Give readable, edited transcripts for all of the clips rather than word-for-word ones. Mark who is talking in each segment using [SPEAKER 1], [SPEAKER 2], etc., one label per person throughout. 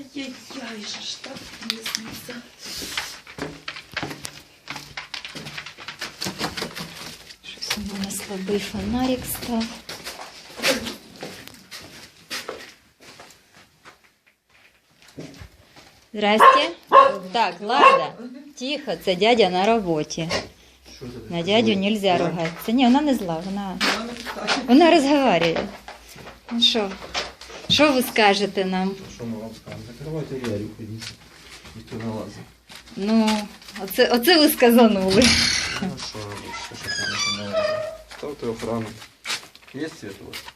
[SPEAKER 1] Ай-яй-яй, що ж так тісниться.
[SPEAKER 2] Щось у мене слабий фонарик став. Здрасте. Так, Лада, тихо, це дядя на роботі. На дядю нельзя ругатися. Ні, вона не зла, вона розговорює. Ну що ви скажете нам?
[SPEAKER 3] Що ми вам скажемо? Закривайте двері, ходіть. Ніхто не лазить.
[SPEAKER 2] Ну, оце ви сказанули.
[SPEAKER 3] Ну що робити, що там не лазить? Ставте охрану. Є світ у вас?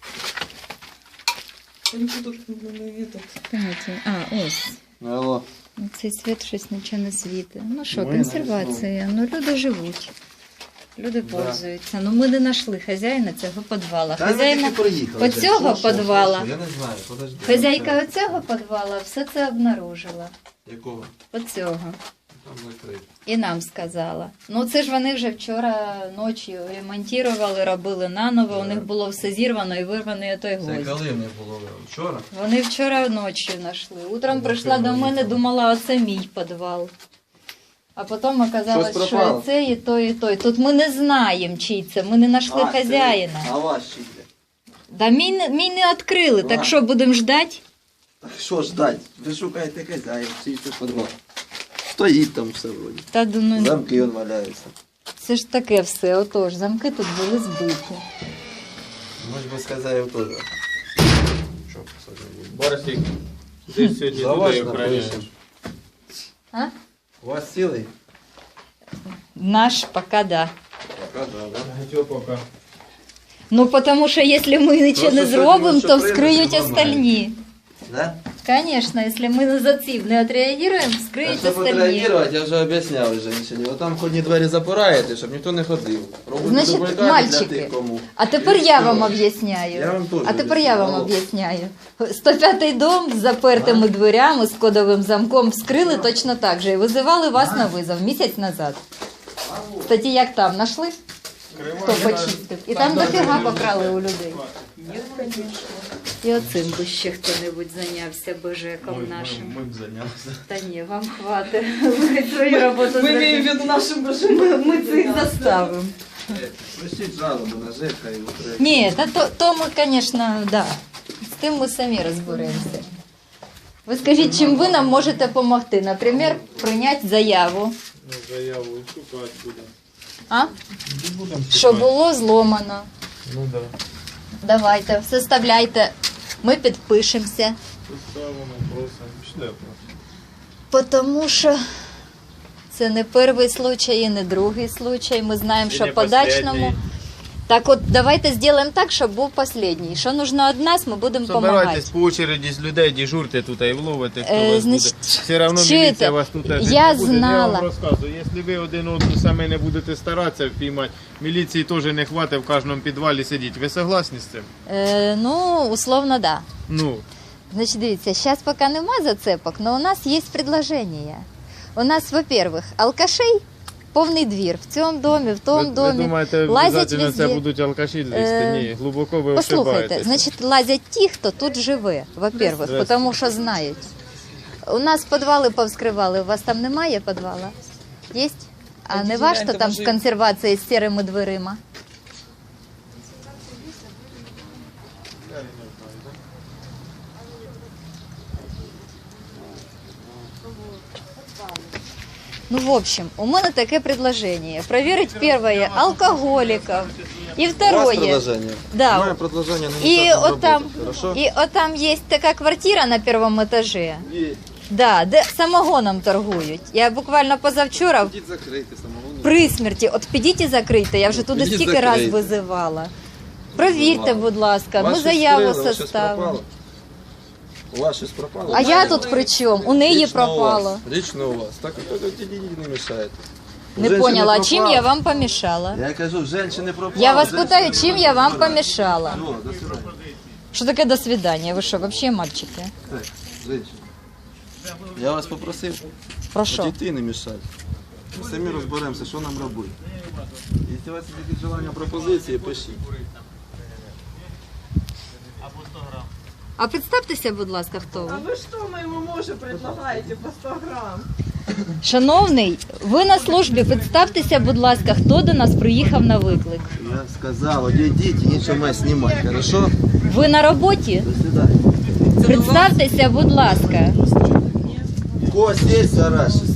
[SPEAKER 1] Нічого тут не видно.
[SPEAKER 2] Ось.
[SPEAKER 3] Алло.
[SPEAKER 2] Цей світ щось нічого не світить. Ну що,
[SPEAKER 3] Ми
[SPEAKER 2] консервація. Ну люди живуть. Люди
[SPEAKER 3] Да.
[SPEAKER 2] пользуються. Ну ми не знайшли хазяїна цього підвала.
[SPEAKER 3] Та ми
[SPEAKER 2] Хазяїна
[SPEAKER 3] тільки приїхали.
[SPEAKER 2] оцього
[SPEAKER 3] Що?
[SPEAKER 2] підвала.
[SPEAKER 3] Я не знаю, подожди.
[SPEAKER 2] Хазяйка оцього підвала все це обнаружила.
[SPEAKER 3] Якого?
[SPEAKER 2] Оцього.
[SPEAKER 3] Там закрито.
[SPEAKER 2] І нам сказала. Ну це ж вони вже вчора ночі ремонтували, робили наново. У них було все зірвано і вирваний той
[SPEAKER 3] Це
[SPEAKER 2] гвоздь.
[SPEAKER 3] коли не було вчора?
[SPEAKER 2] Вони вчора ночі знайшли. Утром
[SPEAKER 3] Ну,
[SPEAKER 2] прийшла до мене,
[SPEAKER 3] їхали.
[SPEAKER 2] думала, оце мій підвал. А потім оказалось,
[SPEAKER 3] Щось
[SPEAKER 2] що
[SPEAKER 3] пропало?
[SPEAKER 2] і це, і той, і той. Тут ми не знаємо, чий це. Ми не знайшли хазяїна.
[SPEAKER 3] А ваш чи де?
[SPEAKER 2] Да мій не відкрили, так що будемо ждати?
[SPEAKER 3] Так що ждать? Ви шукаєте хазяїн, чий це підвал. Стоїть там все вроді.
[SPEAKER 2] Та думаю,
[SPEAKER 3] Замки он валяються.
[SPEAKER 2] це ж таке все. Отож, замки тут були збиті.
[SPEAKER 3] Може би з хазяїв теж. Що посадили?
[SPEAKER 4] Борисик, ти сьогодні
[SPEAKER 3] За вас
[SPEAKER 4] людей охороняєш.
[SPEAKER 3] напишемо.
[SPEAKER 2] А?
[SPEAKER 3] У вас цілий?
[SPEAKER 2] Наш поки да.
[SPEAKER 3] Пока да, да?
[SPEAKER 4] Чого поки?
[SPEAKER 2] Ну, тому що якщо ми нічого не
[SPEAKER 3] Просто
[SPEAKER 2] зробимо,
[SPEAKER 3] сьогодні,
[SPEAKER 2] то
[SPEAKER 3] що прийдуть,
[SPEAKER 2] вскриють
[SPEAKER 3] зламають.
[SPEAKER 2] остальні.
[SPEAKER 3] Да?
[SPEAKER 2] Конечно, если мы за цим не отреагируем, вскриють
[SPEAKER 3] Щоб
[SPEAKER 2] остальні.
[SPEAKER 3] відреагувати, я вже об'ясняв женщині. Отам входні двері запираєте, щоб ніхто не ходив. Робите
[SPEAKER 2] Значить,
[SPEAKER 3] дублікати для
[SPEAKER 2] мальчики,
[SPEAKER 3] тих, кому.
[SPEAKER 2] А тепер
[SPEAKER 3] І
[SPEAKER 2] я
[SPEAKER 3] все.
[SPEAKER 2] вам об'ясняю.
[SPEAKER 3] Я вам теж
[SPEAKER 2] А тепер я вам
[SPEAKER 3] об'ясняю.
[SPEAKER 2] об'ясняю. 105-й дом з запертими дверями, з кодовим замком вскрили точно так же і визивали вас на визов місяць назад. Кстати, як там, знайшли? Хто почистив? І там дофіга покрали у людей. І оцим би ще хто-небудь зайнявся бежеком нашим.
[SPEAKER 4] Ми б зайнялися.
[SPEAKER 2] Та ні, вам хватить. Ви свою роботу
[SPEAKER 1] Ми маємо в
[SPEAKER 2] зробите.
[SPEAKER 1] виду нашим бажанням.
[SPEAKER 2] Ми цих заставимо.
[SPEAKER 3] Пишіть жалобу на ЖЕК, хай утримує.
[SPEAKER 2] Ні, то ми, звісно, да. З тим ми самі розберемося. Ви скажіть, чим ви нам можете допомогти? Наприклад, прийняти заяву.
[SPEAKER 4] Ну, заяву шукати будемо.
[SPEAKER 2] А?
[SPEAKER 4] Будемо
[SPEAKER 2] Що було зломано.
[SPEAKER 4] Ну так.
[SPEAKER 2] Давайте, составляйте. Ми підпишемося.
[SPEAKER 4] Поставимо, просимо. Пішли просто.
[SPEAKER 2] Тому що це не перший случай і не другий случай. Ми знаємо,
[SPEAKER 4] І
[SPEAKER 2] що
[SPEAKER 4] не
[SPEAKER 2] по дачному.
[SPEAKER 4] последній.
[SPEAKER 2] Так от, давайте зробимо так, щоб був останній. Що потрібно від нас, ми будемо допомагати.
[SPEAKER 4] Собирайтесь по очереді з людей, дежурте тут і вловите, хто вас
[SPEAKER 2] значить,
[SPEAKER 4] буде. Все одно
[SPEAKER 2] чуєте,
[SPEAKER 4] міліція вас тут теж
[SPEAKER 2] я
[SPEAKER 4] не буде.
[SPEAKER 2] знала.
[SPEAKER 4] Я вам розказую, якщо ви один одного самі не будете старатися впіймати, міліції теж не хватить в кожному підвалі сидіти. Ви согласні з цим?
[SPEAKER 2] Ну, условно, да.
[SPEAKER 4] Ну,
[SPEAKER 2] Значит, дивіться, зараз поки нема зацепок, але у нас є предложення. У нас, во-первых, алкашей повний двір. В цьому домі, в тому
[SPEAKER 4] ви
[SPEAKER 2] домі.
[SPEAKER 4] думаєте,
[SPEAKER 2] лазять
[SPEAKER 4] обов'язково це
[SPEAKER 2] везде.
[SPEAKER 4] будуть алкаші лізти? Ні, глибоко ви
[SPEAKER 2] Послухайте,
[SPEAKER 4] ошибаєтесь.
[SPEAKER 2] значить, лазять ті, хто тут живе, во-первых,
[SPEAKER 4] Здрасте.
[SPEAKER 2] тому що знають. У нас підвали повскривали, у вас там немає підвала? Є? А не ваш, що там з консервації з сірими дверима? Ну, в общем, у мене таке предложение. Проверить первое алкоголиков. И
[SPEAKER 3] У вас
[SPEAKER 2] второе.
[SPEAKER 3] предложення?
[SPEAKER 2] Да.
[SPEAKER 3] Моє предложення на
[SPEAKER 2] И
[SPEAKER 3] місцях
[SPEAKER 2] вот там,
[SPEAKER 3] роботи, хорошо?
[SPEAKER 2] и вот там есть такая квартира на первом этаже.
[SPEAKER 3] Є.
[SPEAKER 2] Да, де самогоном торгують. Я буквально позавчора
[SPEAKER 3] Ідіть закрити самого.
[SPEAKER 2] при смерті, от підіть і закрийте, я вже туди
[SPEAKER 3] Підіть
[SPEAKER 2] скільки раз
[SPEAKER 3] закрийте.
[SPEAKER 2] визивала. Провірте, будь ласка, ми заяву составимо.
[SPEAKER 3] У вас щось пропало?
[SPEAKER 2] А я тут при чому? У неї пропало.
[SPEAKER 3] Лично у вас. Так не мішаєте. У
[SPEAKER 2] Не
[SPEAKER 3] женщини
[SPEAKER 2] поняла, а чим
[SPEAKER 3] пропало.
[SPEAKER 2] я вам помішала?
[SPEAKER 3] Я кажу, в женщини пропало.
[SPEAKER 2] Я вас
[SPEAKER 3] женщини
[SPEAKER 2] питаю, чим я вам
[SPEAKER 3] пропало.
[SPEAKER 2] помішала?
[SPEAKER 3] Все, до свидання.
[SPEAKER 2] Що таке до свидання? Ви що, взагалі мальчики?
[SPEAKER 3] Так, женщина. Я вас попросив
[SPEAKER 2] Про що?
[SPEAKER 3] дітей не мішати. Ми самі розберемося, що нам робити. Якщо у вас є якісь желання пропозиції, пишіть.
[SPEAKER 2] А представтеся, будь ласка, хто ви?
[SPEAKER 1] А вы что моему мужу предлагаете по 100 грамм?
[SPEAKER 2] Шановний, ви на службі, представтеся, будь ласка, хто до нас приїхав на виклик.
[SPEAKER 3] Я сказал, одійдіть, нічого має знімати, хорошо?
[SPEAKER 2] Ви на роботі?
[SPEAKER 3] До свидания.
[SPEAKER 2] Представтеся, будь ласка.
[SPEAKER 3] Кость, есть, Сараш?